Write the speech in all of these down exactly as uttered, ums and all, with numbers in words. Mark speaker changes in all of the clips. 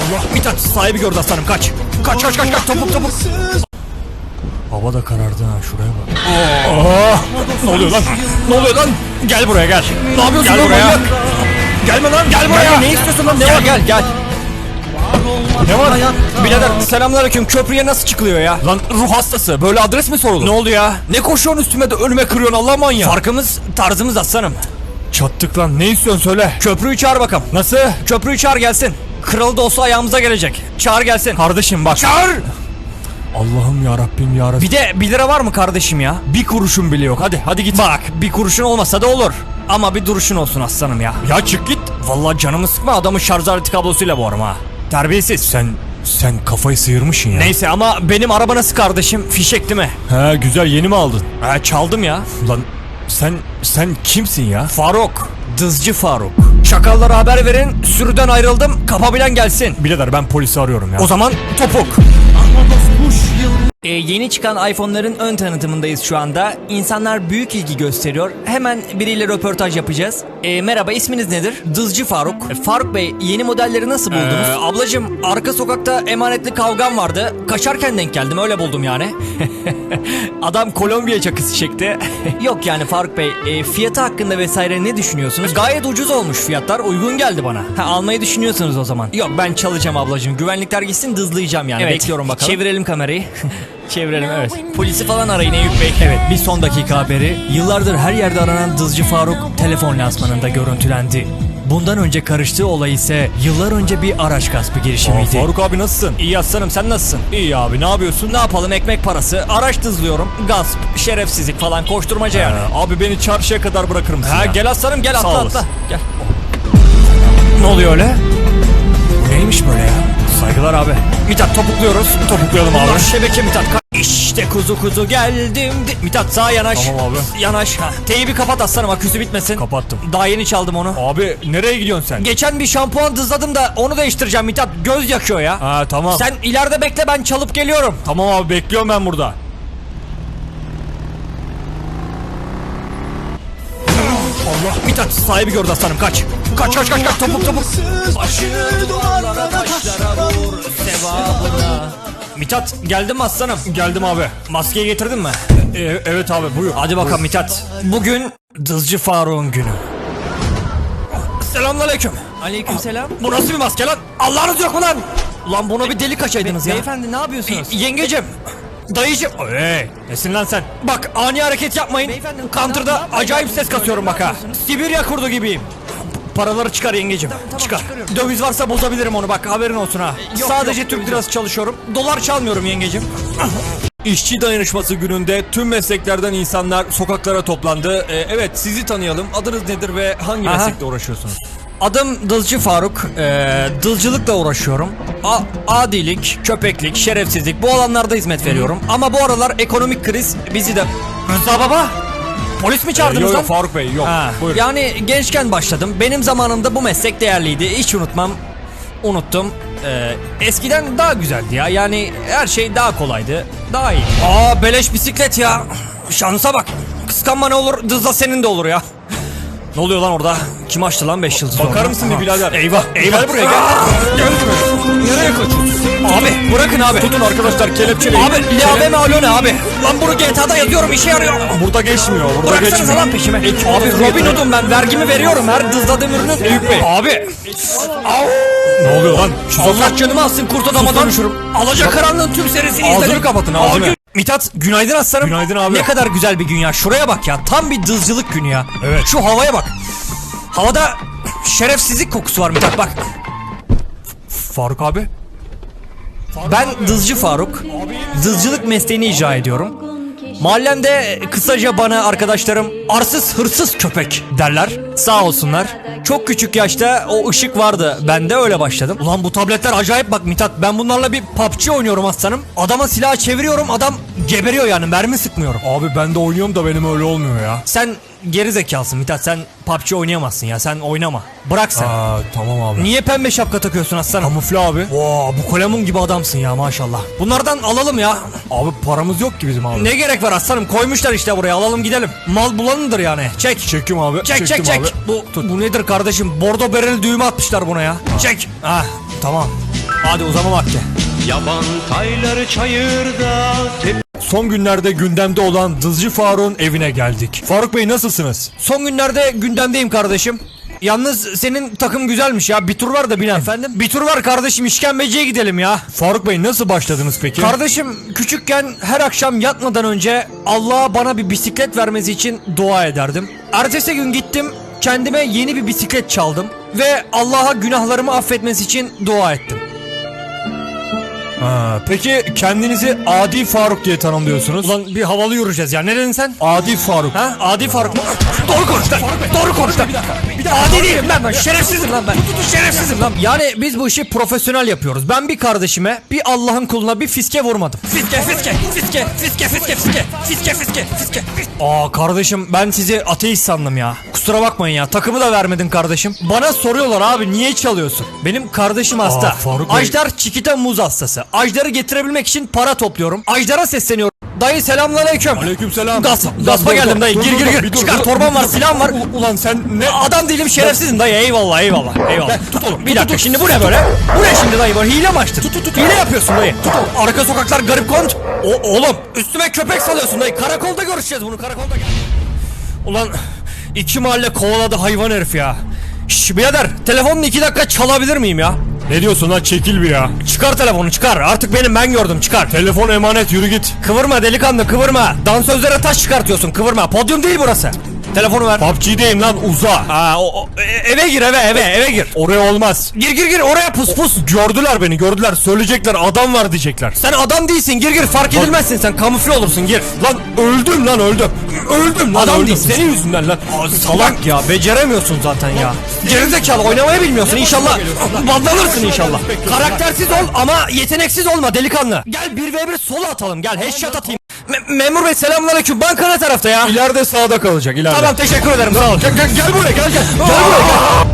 Speaker 1: Allah, Mithat sahibi gördü aslanım, kaç. Kaç kaç kaç kaç, topuk topuk. Hava da karardı ha, şuraya bak. Aa, ne oluyor lan? Ne oluyor lan? Gel buraya gel. Ne yapıyorsun
Speaker 2: Gel
Speaker 1: lan
Speaker 2: buraya.
Speaker 1: manyak? Gelme lan, gel buraya.
Speaker 2: Gel, ne istiyorsun lan? Ne
Speaker 1: Gel,
Speaker 2: var?
Speaker 1: gel gel.
Speaker 2: Ne var ya? Birader selamünaleyküm, köprüye nasıl çıkılıyor ya?
Speaker 1: Lan ruh hastası, böyle adres mi sorulur?
Speaker 2: Ne oldu ya?
Speaker 1: Ne koşuyorsun üstüme de önüme kırıyorsun Allah manyağı.
Speaker 2: Farkımız tarzımız aslanım.
Speaker 1: Çattık lan, ne istiyorsun söyle.
Speaker 2: Köprüyü çağır bakalım.
Speaker 1: Nasıl?
Speaker 2: Köprüyü çağır gelsin. Kralı da olsa ayağımıza gelecek. Çağır gelsin.
Speaker 1: Kardeşim bak.
Speaker 2: Çağır!
Speaker 1: Allah'ım ya Rabbim ya Rabbim.
Speaker 2: Bir de bir lira var mı kardeşim ya?
Speaker 1: Bir kuruşun bile yok, hadi hadi git.
Speaker 2: Bak bir kuruşun olmasa da olur. Ama bir duruşun olsun aslanım ya.
Speaker 1: Ya çık git.
Speaker 2: Vallahi canımı sıkma, adamın şarj aleti kablosuyla boğarım ha. Terbiyesiz.
Speaker 1: Sen sen kafayı sıyırmışsın ya.
Speaker 2: Neyse ama benim araba nasıl kardeşim? Fişek değil mi?
Speaker 1: He güzel, yeni mi aldın?
Speaker 2: Ha, çaldım ya.
Speaker 1: Lan sen sen kimsin ya?
Speaker 2: Faruk. Dızcı Faruk. Çakallara haber verin. Sürüden ayrıldım. Kapabilen gelsin.
Speaker 1: Birader ben polisi arıyorum ya.
Speaker 2: O zaman topuk. Ee, yeni çıkan iPhone'ların ön tanıtımındayız şu anda. İnsanlar büyük ilgi gösteriyor. Hemen biriyle röportaj yapacağız. Ee, merhaba, isminiz nedir? Dızcı Faruk. Ee, Faruk Bey, yeni modelleri nasıl buldunuz? Ee, ablacım, arka sokakta emanetli kavgam vardı. Kaçarken denk geldim, öyle buldum yani. Adam Kolombiya çakısı çekti. Yok yani Faruk Bey, e, fiyatı hakkında vesaire ne düşünüyorsunuz? Gayet ucuz olmuş fiyatlar, uygun geldi bana. Ha, almayı düşünüyorsunuz o zaman. Yok, ben çalacağım ablacığım. Güvenlikler gitsin, dızlayacağım yani.
Speaker 1: Evet.
Speaker 2: Bekliyorum bakalım. Çevirelim kamerayı. Çevirelim, evet. Polisi falan arayın Eyüp Bey. Evet, bir son dakika haberi. Yıllardır her yerde aranan Dızcı Faruk telefon lansmanında görüntülendi. Bundan önce karıştığı olay ise yıllar önce bir araç gaspı
Speaker 1: Aa,
Speaker 2: girişimiydi.
Speaker 1: Faruk abi nasılsın?
Speaker 2: İyi aslanım, sen nasılsın?
Speaker 1: İyi abi, ne yapıyorsun?
Speaker 2: Ne yapalım, ekmek parası, araç dızlıyorum, gasp, şerefsizlik falan, koşturmaca yani.
Speaker 1: Ee, abi beni çarşıya kadar bırakır mısın
Speaker 2: Ha,
Speaker 1: ya?
Speaker 2: gel aslanım, gel, atla
Speaker 1: olasın.
Speaker 2: atla. Gel. Ne oluyor öyle?
Speaker 1: Bu neymiş böyle ya?
Speaker 2: Saygılar abi. Mithat, topukluyoruz.
Speaker 1: Topuklayalım abi.
Speaker 2: Bunlar şebeke Mithat. İşte kuzu kuzu geldim. Mithat sağa yanaş.
Speaker 1: Tamam abi.
Speaker 2: Yanaş. Ha. Teybi kapat aslanım, aküsü bitmesin.
Speaker 1: Kapattım.
Speaker 2: Daha yeni çaldım onu.
Speaker 1: Abi nereye gidiyorsun sen?
Speaker 2: Geçen bir şampuan dızladım da onu değiştireceğim Mithat. Göz yakıyor ya.
Speaker 1: Ha tamam.
Speaker 2: Sen ileride bekle, ben çalıp geliyorum.
Speaker 1: Tamam abi, bekliyorum ben burada.
Speaker 2: Allah, Mithat sahibi gördü aslanım, kaç. Kaç kaç kaç kaç, topuk topuk. Başını duvarlara taşlara vur sevabına. Mithat, geldin mi aslanım?
Speaker 1: Geldim abi.
Speaker 2: Maskeyi getirdin mi?
Speaker 1: Ee, evet abi, buyur.
Speaker 2: Hadi bakalım Mithat. Bugün Dızcı Faruk'un günü. Selamünaleyküm. Aleykümselam. Bu nasıl bir maske lan? Allah'ınız yok mu lan? Ulan bunu bir delik açaydınız ya.
Speaker 3: Beyefendi ne yapıyorsunuz?
Speaker 2: Y- Yengecim. Dayıcım.
Speaker 1: Hey, nesin lan sen?
Speaker 2: Bak, ani hareket yapmayın.
Speaker 3: Beyefendi, ne
Speaker 2: Counter'da
Speaker 3: yapıyorsunuz?
Speaker 2: acayip ses kasıyorum bak ha. Sibirya kurdu gibiyim. Paraları çıkar yengecim.
Speaker 3: tamam,
Speaker 2: çıkar.
Speaker 3: çıkarıyorum.
Speaker 2: Döviz varsa bozabilirim onu, bak haberin olsun ha.
Speaker 3: Yok,
Speaker 2: Sadece
Speaker 3: yok,
Speaker 2: Türk
Speaker 3: döviz
Speaker 2: lirası çalışıyorum. Dolar çalmıyorum yengecim.
Speaker 1: İşçi dayanışması gününde tüm mesleklerden insanlar sokaklara toplandı. Ee, evet, sizi tanıyalım. Adınız nedir ve hangi
Speaker 2: Aha.
Speaker 1: meslekle uğraşıyorsunuz?
Speaker 2: Adım Dızcı Faruk. Ee, dılcılıkla uğraşıyorum. A- adilik, köpeklik, şerefsizlik, bu alanlarda hizmet veriyorum. Ama bu aralar ekonomik kriz bizi de... Rıza baba! Polis mi
Speaker 1: Ee,
Speaker 2: çağırdınız
Speaker 1: yok
Speaker 2: lan?
Speaker 1: yok Faruk Bey, yok.
Speaker 2: Ha,
Speaker 1: Buyurun.
Speaker 2: yani gençken başladım. Benim zamanımda bu meslek değerliydi. Hiç unutmam. Unuttum. Ee, eskiden daha güzeldi ya. Yani her şey daha kolaydı. Daha iyi. Aa, beleş bisiklet ya. Şansa bak. Kıskanma ne olur, dızla senin de olur ya. Ne oluyor lan orada? Kim açtı lan beş yıldız?
Speaker 1: Bakar
Speaker 2: orada?
Speaker 1: mısın bir
Speaker 2: Aha.
Speaker 1: birader?
Speaker 2: Eyvah, eyvah. Gel buraya gel. Gel buraya. Nereye kaçıyorsun? Abi bırakın abi.
Speaker 1: Tutun arkadaşlar, kelepçeleyin.
Speaker 2: Abi L A B mi alo ne abi? Lan bunu G T A'da yazıyorum, işe yarıyor.
Speaker 1: Burada geçmiyor, burada
Speaker 2: Bıraksanıza
Speaker 1: geçmiyor.
Speaker 2: lan peşime.
Speaker 1: Ekip
Speaker 2: Abi
Speaker 1: olsun
Speaker 2: Robin
Speaker 1: yeter.
Speaker 2: Hood'um ben, vergimi veriyorum her dızladığım ürünün.
Speaker 1: Eyüp Bey.
Speaker 2: Abi.
Speaker 1: Ne oluyor lan? Şu
Speaker 2: Allah canımı alsın kurt adamadan.
Speaker 1: konuşurum.
Speaker 2: Alacakaranlığın tüm serisini
Speaker 1: Ağzını
Speaker 2: izledim.
Speaker 1: kapatın, ağzını.
Speaker 2: Abi, Mithat, günaydın aslanım.
Speaker 1: Günaydın abi.
Speaker 2: Ne kadar güzel bir gün ya. Şuraya bak ya. Tam bir dızcılık günü ya.
Speaker 1: Evet.
Speaker 2: Şu havaya bak. Havada şerefsizlik kokusu var Mithat, bak.
Speaker 1: Faruk abi.
Speaker 2: Ben Dızcı Faruk. Dızcılık mesleğini icra ediyorum. Mahallemde kısaca bana arkadaşlarım arsız hırsız köpek derler. Sağ olsunlar. Çok küçük yaşta o ışık vardı. Ben de öyle başladım. Ulan bu tabletler acayip bak Mithat. Ben bunlarla bir P U B G oynuyorum aslanım. Adama silah çeviriyorum, adam geberiyor yani, mermi sıkmıyorum.
Speaker 1: Abi ben de oynuyorum da benim öyle olmuyor ya.
Speaker 2: Sen geri zekalısın Mithat, sen P U B G oynayamazsın ya, sen oynama. Bırak sen.
Speaker 1: Aa tamam abi.
Speaker 2: Niye pembe şapka takıyorsun aslanım?
Speaker 1: Kamufle abi.
Speaker 2: Oo, bu kolemun gibi adamsın ya maşallah. Bunlardan alalım ya.
Speaker 1: Abi paramız yok ki bizim abi.
Speaker 2: Ne gerek var aslanım, koymuşlar işte buraya, alalım gidelim. Mal bulanındır yani. Çek.
Speaker 1: Çekim abi.
Speaker 2: Çek çek
Speaker 1: çektim
Speaker 2: çek.
Speaker 1: abi.
Speaker 2: Bu, bu nedir kardeşim? Bordo bereli düğme atmışlar buna ya. Çek. Ah tamam.
Speaker 1: Hadi uzama vakti.
Speaker 3: Yaban tayları çayırda tep
Speaker 1: Son günlerde gündemde olan Dızcı Faruk'un evine geldik. Faruk Bey nasılsınız?
Speaker 2: Son günlerde gündemdeyim kardeşim. Yalnız senin takım güzelmiş ya. Bir tur var da binen. Efendim? Bir tur var kardeşim, işkembeciye gidelim ya.
Speaker 1: Faruk Bey nasıl başladınız peki?
Speaker 2: Kardeşim küçükken her akşam yatmadan önce Allah'a bana bir bisiklet vermesi için dua ederdim. Ertesi gün gittim, kendime yeni bir bisiklet çaldım ve Allah'a günahlarımı affetmesi için dua ettim.
Speaker 1: Ha, peki kendinizi Adi Faruk diye tanımlıyorsunuz.
Speaker 2: Ulan bir havalı yürüyeceğiz ya. Ne dedin sen?
Speaker 1: Adi Faruk.
Speaker 2: Ha? Adi Faruk mu? Doğru konuş lan. Doğru konuş lan. Adi değilim lan ben. Şerefsizim lan ben. Şerefsizim lan. Yani biz bu işi profesyonel yapıyoruz. Ben bir kardeşime, bir Allah'ın kuluna bir fiske vurmadım. Fiske, fiske, fiske, fiske, fiske, fiske, fiske, fiske, fiske. Aa kardeşim, ben sizi ateist sandım ya. Kusura bakmayın ya. Takımı da vermedin kardeşim. Bana soruyorlar abi niye çalıyorsun? Benim kardeşim hasta.
Speaker 1: Faruk Bey.
Speaker 2: Ajdar Çikita muz hastası. Ajdar'ı getirebilmek için para topluyorum. Ajdar'a sesleniyorum. Dayı selamünaleyküm.
Speaker 1: Aleykümselam.
Speaker 2: Gas,
Speaker 1: Dur,
Speaker 2: gaspa
Speaker 1: dur,
Speaker 2: geldim
Speaker 1: dur,
Speaker 2: dayı.
Speaker 1: dur,
Speaker 2: Gir
Speaker 1: dur,
Speaker 2: gir
Speaker 1: dur,
Speaker 2: gir.
Speaker 1: bir dur,
Speaker 2: Çıkar
Speaker 1: dur,
Speaker 2: torban var,
Speaker 1: dur.
Speaker 2: silahım var.
Speaker 1: U- Ulan sen ne?
Speaker 2: Adam değilim, şerefsizim dayı. Eyvallah eyvallah eyvallah.
Speaker 1: Tut oğlum.
Speaker 2: Bir dakika, şimdi bu ne böyle? Bu ne şimdi dayı böyle? Hile mi açtın? Tut tut tut. Hile yapıyorsun dayı. Tut oğlum. Arka sokaklar garip kont. O, oğlum üstüme köpek salıyorsun dayı. Karakolda görüşeceğiz bunu, karakolda gel. Ulan iki mahalle kovaladı hayvan herif ya. Şş birader, telefonunu iki dakika çalabilir miyim ya?
Speaker 1: Ne diyorsun lan, çekil bir ya.
Speaker 2: Çıkar telefonu, çıkar. Artık benim, ben gördüm, çıkar.
Speaker 1: Telefon emanet, yürü git.
Speaker 2: Kıvırma delikanlı, kıvırma. Dansözlere taş çıkartıyorsun, kıvırma. Podyum değil burası. Telefonu ver.
Speaker 1: P U B G'deyim lan, uza.
Speaker 2: Aa, o, o- e- eve gir, eve eve eve gir.
Speaker 1: Oraya olmaz.
Speaker 2: Gir gir gir oraya, pus pus.
Speaker 1: Gördüler beni, gördüler. Söyleyecekler, adam var diyecekler.
Speaker 2: Sen adam değilsin, gir gir, fark edilmezsin sen, kamufle olursun, gir.
Speaker 1: Lan öldüm lan, öldüm. Öldüm lan,
Speaker 2: Adam
Speaker 1: öldüm.
Speaker 2: değilsin.
Speaker 1: Senin yüzünden lan.
Speaker 2: Salak ya, beceremiyorsun zaten ya. Gerizekalı, oynamayı bilmiyorsun inşallah. Bandanırsın inşallah. Karaktersiz ol ama yeteneksiz olma delikanlı. Gel bir ve bir sola atalım, gel headshot atayım. Me- memur bey selamünaleyküm, banka ne tarafta ya?
Speaker 1: İleride sağda kalacak, ileride.
Speaker 2: Tamam, teşekkür ederim, sağ ol.
Speaker 1: Gel, gel, gel buraya, gel gel. Gel buraya gel.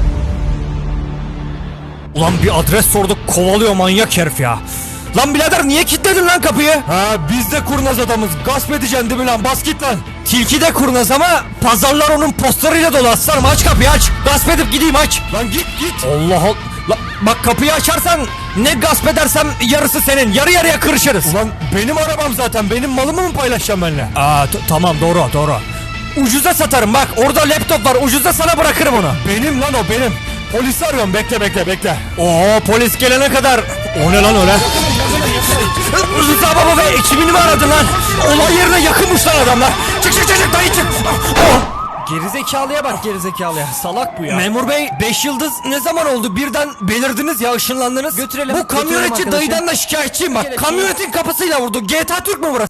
Speaker 2: Ulan bir adres sorduk, kovalıyor manyak herif ya. Lan birader niye kilitledin lan kapıyı?
Speaker 1: Ha, biz de kurnaz adamız. Gasp edeceksin değil mi lan? Bas git lan.
Speaker 2: Tilki de kurnaz ama pazarlar onun postlarıyla dolu aslanım, aç kapıyı aç. Gasp edip gideyim, aç.
Speaker 1: Lan git git.
Speaker 2: Allah Allah. La, bak kapıyı açarsan ne gasp edersem yarısı senin, yarı yarıya kırışırız.
Speaker 1: Ulan benim arabam zaten. Benim malımı mı paylaşacağım benimle?
Speaker 2: Aa t- tamam, doğru doğru. Ucuza satarım bak, orada laptop var, ucuza sana bırakırım onu.
Speaker 1: Benim lan o, benim. Polisi arıyorum, bekle bekle bekle.
Speaker 2: Oo, polis gelene kadar.
Speaker 1: O ne lan öyle?
Speaker 2: Rıza baba ve ekibini mi aradın lan? Olay yerine yakınmış lan adamlar. Çık çık çık çık dayı çık. Oh. Gerizekalıya bak, gerizekalıya. Salak bu ya. Memur bey, beş yıldız ne zaman oldu? Birden belirdiniz ya, ışınlandınız. Götürelim. Bu kamyonetçi dayıdan da şikayetçiyim bak. Kamyonetin kapısıyla vurdu. G T A Türk mü burası?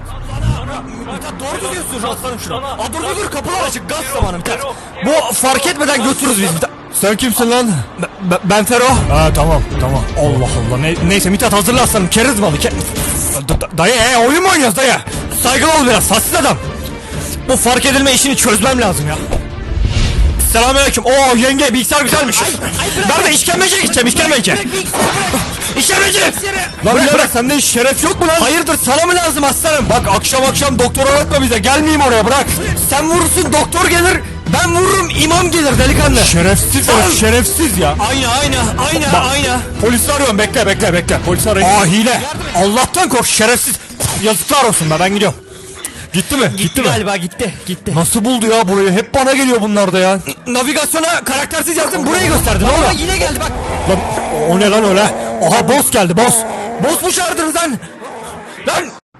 Speaker 2: Doğru diyorsun aslanım şuna. Aa, dur dur dur, kapılar açık, gaz zamanı biter. Bu fark etmeden götürürüz biz.
Speaker 1: Sen kimsin lan?
Speaker 2: Ben, ben Fero.
Speaker 1: Ha tamam tamam.
Speaker 2: Allah Allah, ne, neyse Mithat hazırla aslanım, kerizmalı ke... D- d- Dayı e, oyun mu oynuyoruz dayı? Saygılı ol biraz, hassiz adam. Bu fark edilme işini çözmem lazım ya. Selamünaleyküm. Oo yenge, bilgisayar güzelmiş. Ben de işkembeciye gideceğim, işkembeci. İşkembeci.
Speaker 1: Lan
Speaker 2: Bırak,
Speaker 1: birader,
Speaker 2: bırak.
Speaker 1: sende hiç şeref yok mu lan?
Speaker 2: Hayırdır, sana mı lazım aslanım?
Speaker 1: Bak akşam akşam doktor aratma bize. Gelmeyeyim oraya, bırak.
Speaker 2: Sen vurursun doktor gelir, ben vururum imam gelir delikanlı.
Speaker 1: Şerefsiz
Speaker 2: Lan.
Speaker 1: ya, şerefsiz ya.
Speaker 2: Aynı aynı aynı
Speaker 1: Bak,
Speaker 2: aynı.
Speaker 1: Polisi arıyorum, bekle bekle bekle. Polisi arayın.
Speaker 2: Aa hile. Allah'tan kork şerefsiz. Yazıklar olsun be, ben gidiyorum.
Speaker 1: Gitti mi? Gitti, mi?
Speaker 2: Galiba gitti gitti.
Speaker 1: Nasıl buldu ya burayı? Hep bana geliyor bunlar da ya.
Speaker 2: Navigasyona karaktersiz yazdım, burayı gösterdi. Ne oldu? Yine geldi bak.
Speaker 1: Lan o ne lan öyle? Aha boss geldi, boss.
Speaker 2: Boss mu çağırdınız lan? Lan!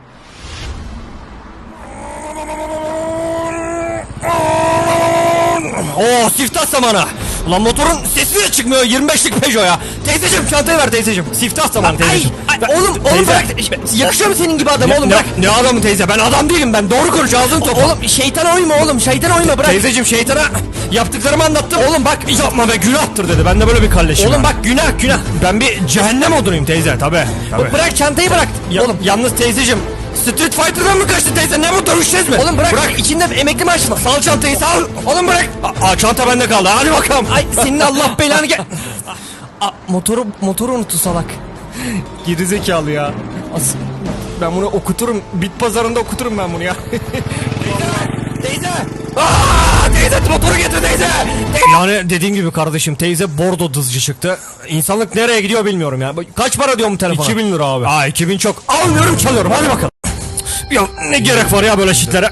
Speaker 2: Oo, siftah zamanı. Ulan motorun sesi de çıkmıyor, yirmi beşlik Peugeot ya. Teyzeciğim çantayı ver teyzeciğim. Siftah zamanı teyzeciğim.
Speaker 1: ay,
Speaker 2: oğlum oğlum
Speaker 1: teyze.
Speaker 2: bırak. Yakışıyor mu senin gibi adam oğlum,
Speaker 1: ne,
Speaker 2: bırak.
Speaker 1: ne adamı teyze? Ben adam değilim, ben doğru konuş, ağzın topu.
Speaker 2: Oğlum şeytana uyma oğlum, şeytana uyma, bırak.
Speaker 1: Teyzeciğim şeytana yaptıklarımı anlattım. Oğlum bak yapma be, günahtır dedi. Ben de böyle bir kalleşim.
Speaker 2: Oğlum
Speaker 1: ha.
Speaker 2: bak, günah günah.
Speaker 1: Ben bir cehennem odunuyum teyze, tabi.
Speaker 2: Bırak çantayı, bırak.
Speaker 1: Ya,
Speaker 2: Oğlum
Speaker 1: yalnız teyzeciğim, Street Fighter'dan mı kaçtı teyze? Ne bu, dövüşeceğiz mi?
Speaker 2: Oğlum bırak, bırak. içinde emekli maaşı var.
Speaker 1: Sal çantayı, sal.
Speaker 2: Oğlum bırak.
Speaker 1: Aa, çanta bende kaldı, hadi bakalım.
Speaker 2: Ay senin Allah belanı gel. Aa, motoru motoru unuttu salak.
Speaker 1: Gerizekalı ya.
Speaker 2: As ben bunu okuturum. Bit pazarında okuturum ben bunu ya. Teyze! Teyze!
Speaker 1: Aa, teyze motoru getir teyze. Yani dediğim gibi kardeşim, teyze bordo dızcı çıktı. İnsanlık nereye gidiyor bilmiyorum ya. Kaç para diyor mu telefona? iki bin lira abi. Aa iki bin çok. Almıyorum, çalıyorum, hadi bakalım. Ya ne gerek var ya böyle shitlere?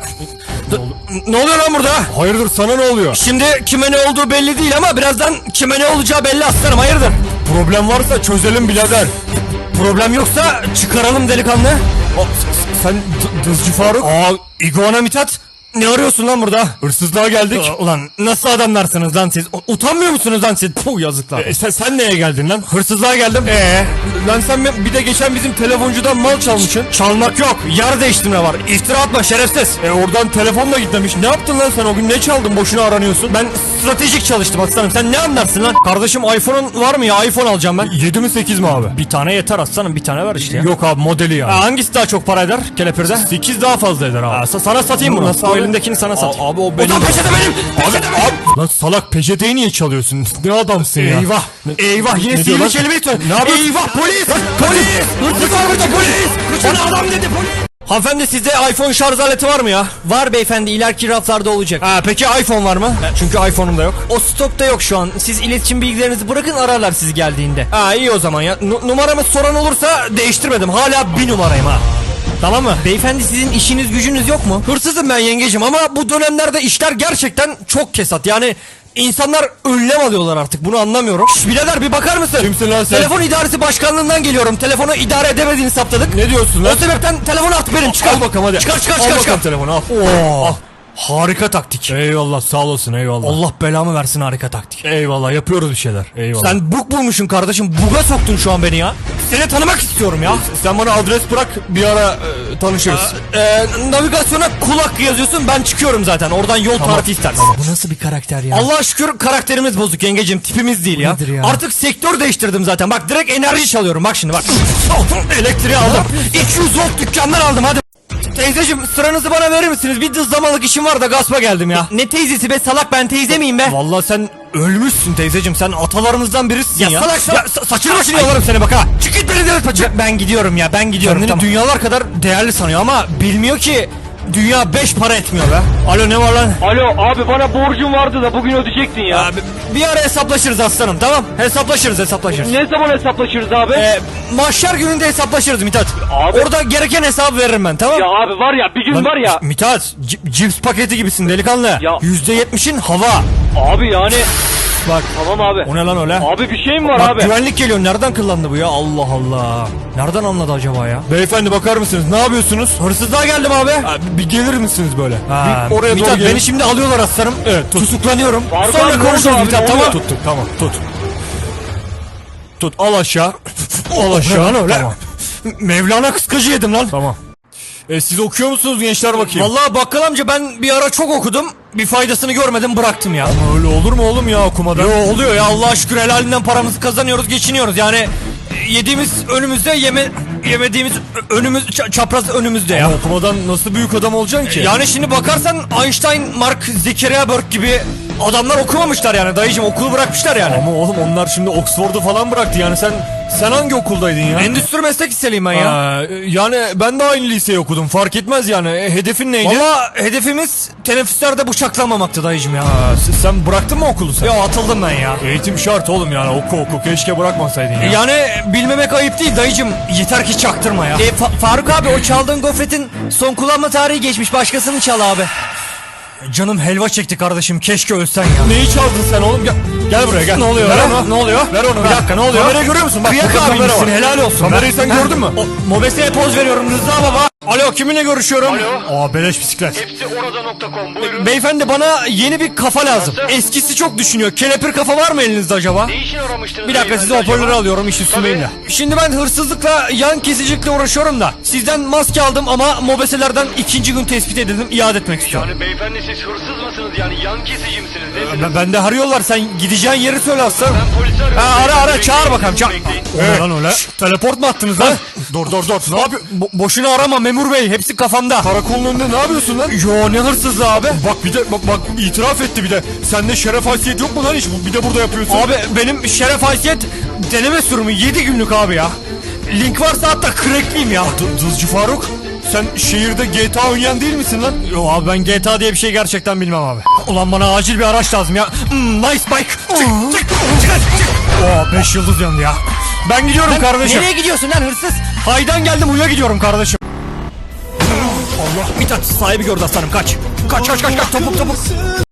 Speaker 1: Ne oluyor lan burada? Hayırdır, sana ne oluyor? Şimdi kime ne olduğu belli değil ama birazdan kime ne olacağı belli aslanım, hayırdır? Problem varsa çözelim birader. Problem yoksa çıkaralım delikanlı. O, sen Dızcı Faruk? Aa, İguana Mithat. Ne arıyorsun lan burada? Hırsızlığa geldik. Aa, ulan nasıl adamlarsınız lan siz? U- utanmıyor musunuz lan siz? Puh, yazıklar. E, sen, sen neye geldin lan? Hırsızlığa geldim. Eee? Lan sen bir de geçen bizim telefoncudan mal çalmışsın. Çalmak yok. Yer değiştirme var. İftira atma şerefsiz. E oradan telefonla gitmemiş. Ne yaptın lan sen o gün? Ne çaldın? Boşuna aranıyorsun. Ben stratejik çalıştım aslanım. Sen ne anlarsın lan? Kardeşim iPhone'un var mı ya? iPhone alacağım ben. yedi mi sekiz mi abi? Bir tane yeter aslanım. Bir tane ver işte ya. Yok abi, modeli yani. Ha, hangisi daha çok para eder kelepirde? sekiz daha fazla eder abi. Ha, sa- sana satayım bunu. Nasıl abi? Elindekini sana sat. Abi o benim. O da peçete benim. Peçete benim. Abi, lan salak, peçeteyi niye çalıyorsun? Ne adamsın ya? Eyvah. Eyvah, yine sihirli kelimeyi söyle. Ne yapıyorsun? Eyvah, polis. Polis. Hırsız var burada, polis. Bana adam dedi, polis. Hanımefendi, sizde iPhone şarj aleti var mı ya?
Speaker 2: Var beyefendi, ileriki raflarda olacak.
Speaker 1: Ha, peki iPhone var mı? Çünkü iPhone'um da yok.
Speaker 2: O stokta yok şu an. Siz iletişim bilgilerinizi bırakın, ararlar sizi geldiğinde.
Speaker 1: Ha, iyi o zaman ya. N- numaramı soran olursa değiştirmedim. Hala bir numarayım ha. Tamam mı?
Speaker 2: Beyefendi, sizin işiniz gücünüz yok mu?
Speaker 1: Hırsızım ben yengecim ama bu dönemlerde işler gerçekten çok kesat. Yani insanlar önlem alıyorlar artık, bunu anlamıyorum. Şş, birader bir bakar mısın? Kimsin lan sen? Telefon idaresi başkanlığından geliyorum. Telefonu idare edemediğini saptadık. Ne diyorsun lan? O sebepten telefonu at benim, çıkar. Al bakalım hadi. Çıkar çıkar çıkar. Al çıkar. Telefonu al. Oo. Al. Harika taktik. Eyvallah, sağ olasın, eyvallah. Allah belamı versin, harika taktik. Eyvallah, yapıyoruz bir şeyler. Eyvallah. Sen bug bulmuşsun kardeşim. Buga soktun şu an beni ya. Seni tanımak istiyorum ya. Sen bana adres bırak, bir ara e, tanışırız. Ee, e, navigasyona kulak yazıyorsun, ben çıkıyorum zaten. Oradan yol tamam. tarifi istersin. Tamam.
Speaker 2: Bu nasıl bir karakter ya?
Speaker 1: Allah'a şükür karakterimiz bozuk yengecim, tipimiz değil ya. ya. Artık sektör değiştirdim zaten. Bak direkt enerji çalıyorum, bak şimdi bak. Elektriği aldım. iki yüz volt dükkandan aldım, hadi. Teyzeciğim, sıranızı bana verir misiniz? Bir dızlamalık işim var da gaspa geldim ya.
Speaker 2: Ne teyzesi be salak, ben teyze miyim be?
Speaker 1: Vallahi sen ölmüşsün teyzeciğim, sen atalarımızdan birisin ya.
Speaker 2: Ya salak salak.
Speaker 1: Ya, saçını başını yolarım seni bak ha. Çık git beni devlet paça. Ben gidiyorum ya, ben gidiyorum. Kendini tamam. Dünyalar kadar değerli sanıyor ama bilmiyor ki dünya beş para etmiyor be. Alo, ne var lan?
Speaker 4: Alo abi, bana borcum vardı da bugün ödeyecektin ya.
Speaker 1: Abi, bir ara hesaplaşırız aslanım, tamam? Hesaplaşırız hesaplaşırız.
Speaker 4: Ne zaman hesaplaşırız abi?
Speaker 1: Ee, mahşer gününde hesaplaşırız Mithat.
Speaker 4: Abi.
Speaker 1: Orada gereken hesabı veririm ben, tamam?
Speaker 4: Ya abi var ya, bir gün
Speaker 1: Lan,
Speaker 4: var ya.
Speaker 1: Mithat, c- cips paketi gibisin delikanlı.
Speaker 4: Ya.
Speaker 1: yüzde yetmişin hava.
Speaker 4: Abi yani.
Speaker 1: Bak.
Speaker 4: Tamam abi.
Speaker 1: O ne lan öyle?
Speaker 4: Abi bir şey mi var
Speaker 1: Bak,
Speaker 4: abi?
Speaker 1: güvenlik geliyor. Nereden kıllandı bu ya? Allah Allah. Nereden anladı acaba ya? Beyefendi bakar mısınız? Ne yapıyorsunuz? Hırsızlığa geldim abi. Ha, bir gelir misiniz böyle? Ha, bir oraya Mithat, doğru beni şimdi alıyorlar aslanım. Evet, tut. Tutuklanıyorum.
Speaker 4: Faruk
Speaker 1: Sonra
Speaker 4: abi,
Speaker 1: konuşuruz
Speaker 4: abi,
Speaker 1: Mithat,
Speaker 4: ne
Speaker 1: tamam.
Speaker 4: oluyor?
Speaker 1: Tuttuk, tamam, tut. Tut, al aşağı. Al aşağı. Lan öyle. Tamam. Mevlana kıskacı yedim lan. Tamam. E, siz okuyor musunuz gençler bakayım? Vallahi bakkal amca, ben bir ara çok okudum. Bir faydasını görmedim, bıraktım ya. Ama öyle olur mu oğlum ya, okumadan? Yo, oluyor ya, Allah'a şükür helalinden paramızı kazanıyoruz, geçiniyoruz. Yani e, yediğimiz önümüzde, yeme yemediğimiz önümüz ça- çapraz önümüzde ya. Ama okumadan nasıl büyük adam olacaksın ki? Yani şimdi bakarsan Einstein, Mark Zuckerberg gibi adamlar okumamışlar yani dayıcım, okulu bırakmışlar yani. Ama oğlum onlar şimdi Oxford'u falan bıraktı yani. sen sen hangi okuldaydın ya? Endüstri meslek liseliyim ben ya. Ha, yani ben de aynı liseyi okudum, fark etmez yani. E, hedefin neydi? Valla hedefimiz teneffüslerde bıçaklanmamaktı dayıcım ya. Ha, sen bıraktın mı okulu sen? Ya atıldım ben ya. Eğitim şart oğlum yani, oku oku, keşke bırakmasaydın ya. Yani bilmemek ayıp değil dayıcım, yeter ki çaktırma ya.
Speaker 2: E, Fa- Faruk abi, o çaldığın gofretin son kullanma tarihi geçmiş, başkasını çal abi.
Speaker 1: Canım helva çekti kardeşim, keşke ölsen ya. Neyi çaldın sen oğlum? Gel, gel buraya gel. Ne oluyor? Ver onu. Ne oluyor? Ver onu. Bir dakika, ne oluyor? Kamerayı görüyor musun? Bak, kıyak abimsin, helal olsun. Kamerayı sen gördün mü? Mobeseye poz veriyorum Rıza baba. Alo, kiminle görüşüyorum?
Speaker 4: Alo.
Speaker 1: Aa, beleş bisiklet.
Speaker 4: Hepsi orada nokta com, buyurun.
Speaker 1: Beyefendi, bana yeni bir kafa lazım.
Speaker 4: Nasıl?
Speaker 1: Eskisi çok düşünüyor. Kelepir kafa var mı elinizde acaba?
Speaker 4: Ne için aramıştınız?
Speaker 1: Bir dakika, size hoparlörü alıyorum, iş üstündeyim de. Şimdi ben hırsızlıkla, yan kesicilikle uğraşıyorum da. Sizden maske aldım ama mobeselerden ikinci gün tespit edildim, iade etmek istiyorum.
Speaker 4: Yani beyefendi, siz hırsız mısınız yani, yan kesici misiniz? Nesiniz?
Speaker 1: Ben, ben de arıyorlar, sen gideceğin yeri söyle aslanım.
Speaker 4: Ben polisi arıyorum.
Speaker 1: Ha, ara ara,
Speaker 4: Bekleyin,
Speaker 1: çağır bakalım, çağır.
Speaker 4: bekleyin.
Speaker 1: O ne lan öyle? Teleport mu attınız lan? Dur dur dur. Ne yapıyorsun? Bo- boşuna arama memur bey, hepsi kafamda. Karakolun önünde ne yapıyorsun lan? Yo, ne hırsızlığı abi? Bak bir de bak, bak itiraf etti bir de. Sende şeref haysiyet yok mu lan hiç? Bir de burada yapıyorsun. Abi benim şeref haysiyet deneme sürümü yedi günlük abi ya. Link varsa hatta crackliyim ya. D- Dızcı Faruk, sen şehirde G T A oynayan değil misin lan? Yo abi ben G T A diye bir şey gerçekten bilmem abi. Ulan bana acil bir araç lazım ya. Hmm, nice bike. Çık çık çık çık. Oo beş yıldız yandı ya. Ben gidiyorum kardeşim.
Speaker 2: Nereye gidiyorsun lan hırsız?
Speaker 1: Haydan geldim uya gidiyorum kardeşim. Allah Mithat sahibi gördü aslanım kaç. Kaç kaç kaç kaç topuk topuk.